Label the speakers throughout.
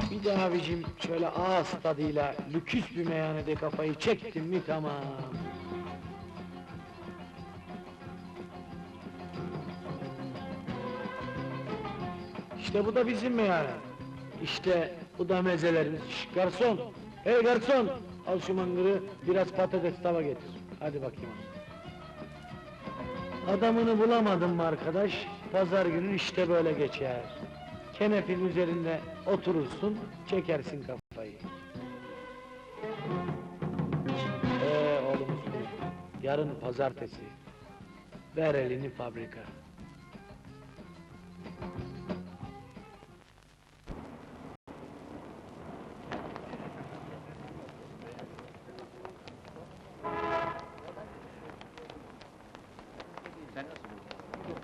Speaker 1: Bir de abicim şöyle ağız tadıyla lüküs bir meyhanede kafayı çektim mi tamam. İşte bu da bizim meyhane. İşte bu da mezelerimiz. Şş, garson! Hey garson! Al şu mangırı, biraz patates tava getir. Hadi bakayım. Adamını bulamadın mı arkadaş? Pazar günü işte böyle geçer. Kenefin üzerinde oturursun, çekersin kafayı. Oğlum Uslu, yarın pazartesi. Ver elini fabrika.
Speaker 2: Sen nasıl buldun?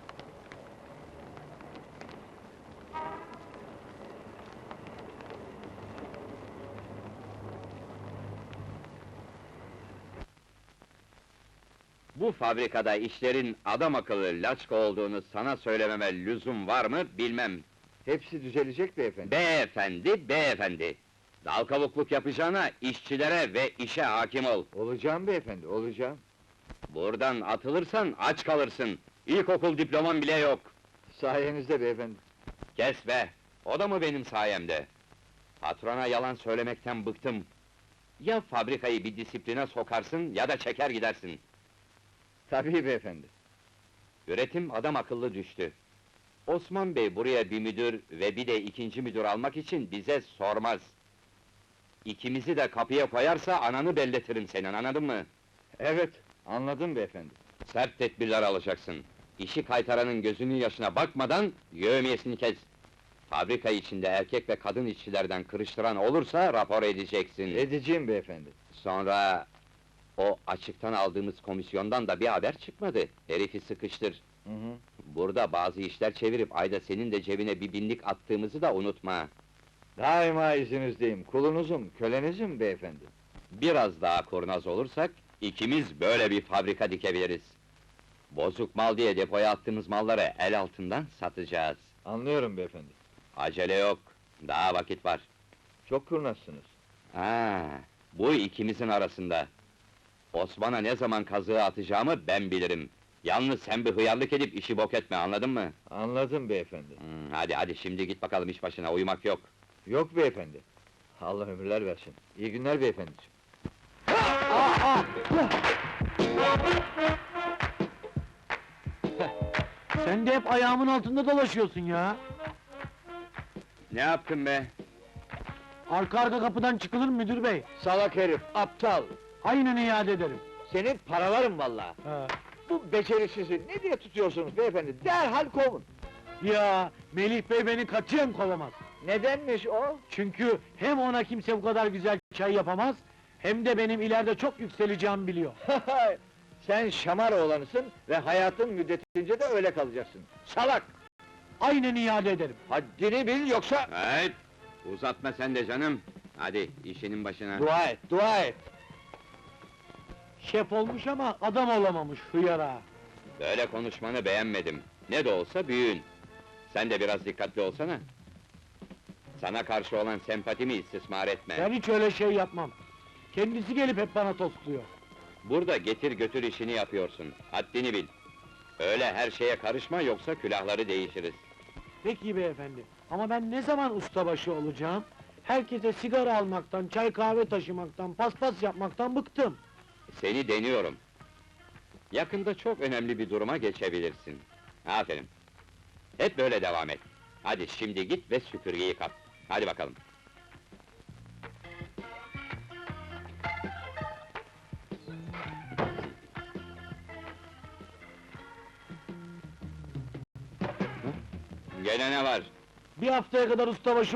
Speaker 3: Bu fabrikada işlerin adam akıllı laçka olduğunu sana söylememe lüzum var mı bilmem.
Speaker 2: Hepsi düzelecek beyefendi.
Speaker 3: Beyefendi, beyefendi! Dal kavukluk yapacağına işçilere ve işe hakim ol.
Speaker 2: Olacağım beyefendi, olacağım.
Speaker 3: Buradan atılırsan aç kalırsın. İlkokul diploman bile yok.
Speaker 2: Sayenizde beyefendi.
Speaker 3: Kes be! O da mı benim sayemde? Patrona yalan söylemekten bıktım. Ya fabrikayı bir disipline sokarsın ya da çeker gidersin.
Speaker 2: Tabii beyefendi.
Speaker 3: Üretim adam akıllı düştü. Osman Bey buraya bir müdür ve bir de ikinci müdür almak için bize sormaz. İkimizi de kapıya koyarsa ananı belletirim senin, anladın mı?
Speaker 2: Evet, anladım beyefendi.
Speaker 3: Sert tedbirler alacaksın. İşi kaytaranın gözünün yaşına bakmadan yevmiyesini kes. Fabrika içinde erkek ve kadın işçilerden kırıştıran olursa rapor edeceksin.
Speaker 2: Edeceğim beyefendi.
Speaker 3: Sonra o açıktan aldığımız komisyondan da bir haber çıkmadı. Herifi sıkıştır.
Speaker 2: Hı hı.
Speaker 3: Burada bazı işler çevirip ayda senin de cebine bir binlik attığımızı da unutma.
Speaker 2: Daima izinizdeyim, kulunuzum, kölenizim beyefendi.
Speaker 3: Biraz daha kurnaz olursak, ikimiz böyle bir fabrika dikebiliriz. Bozuk mal diye depoya attığımız malları el altından satacağız.
Speaker 2: Anlıyorum beyefendi.
Speaker 3: Acele yok, daha vakit var.
Speaker 2: Çok kurnazsınız.
Speaker 3: Ha, bu ikimizin arasında. Osman'a ne zaman kazığı atacağımı ben bilirim. Yalnız sen bir hıyarlık edip işi bok etme, anladın mı?
Speaker 2: Anladım beyefendi.
Speaker 3: Hadi hadi, şimdi git bakalım iş başına, uyumak yok.
Speaker 2: Yok beyefendi. Allah ömürler versin. İyi günler beyefendiciğim.
Speaker 1: Sen de hep ayağımın altında dolaşıyorsun ya.
Speaker 3: Ne yaptın be?
Speaker 1: Arka arka kapıdan çıkılır mı müdür bey?
Speaker 2: Salak herif, aptal!
Speaker 1: Aynen iade ederim.
Speaker 2: Senin paralarım vallahi.
Speaker 1: Ha.
Speaker 2: Bu becerisizi ne diye tutuyorsunuz beyefendi? Derhal kovun!
Speaker 1: Ya Melih bey beni katiyen kovamaz.
Speaker 2: Nedenmiş o?
Speaker 1: Çünkü hem ona kimse bu kadar güzel çay yapamaz, hem de benim ileride çok yükseleceğimi biliyor.
Speaker 2: Sen şamar oğlanısın ve hayatın müddetince de öyle kalacaksın. Salak!
Speaker 1: Aynen iade ederim.
Speaker 2: Haddini bil yoksa...
Speaker 3: Evet, uzatma sen de canım. Hadi, işinin başına.
Speaker 2: Dua et, dua et!
Speaker 1: Şef olmuş ama adam olamamış hıyara.
Speaker 3: Böyle konuşmanı beğenmedim. Ne de olsa büyüğün. Sen de biraz dikkatli olsana. Sana karşı olan sempatimi istismar etme.
Speaker 1: Ben hiç öyle şey yapmam. Kendisi gelip hep bana tostluyor.
Speaker 3: Burada getir götür işini yapıyorsun. Haddini bil. Öyle her şeye karışma, yoksa külahları değişiriz.
Speaker 1: Peki beyefendi, ama ben ne zaman ustabaşı olacağım? Herkese sigara almaktan, çay kahve taşımaktan, paspas yapmaktan bıktım.
Speaker 3: Seni deniyorum. Yakında çok önemli bir duruma geçebilirsin. Aferin. Hep böyle devam et. Hadi şimdi git ve süpürgeyi kap. Hadi bakalım. Gene ne var?
Speaker 1: Bir haftaya kadar ustabaşı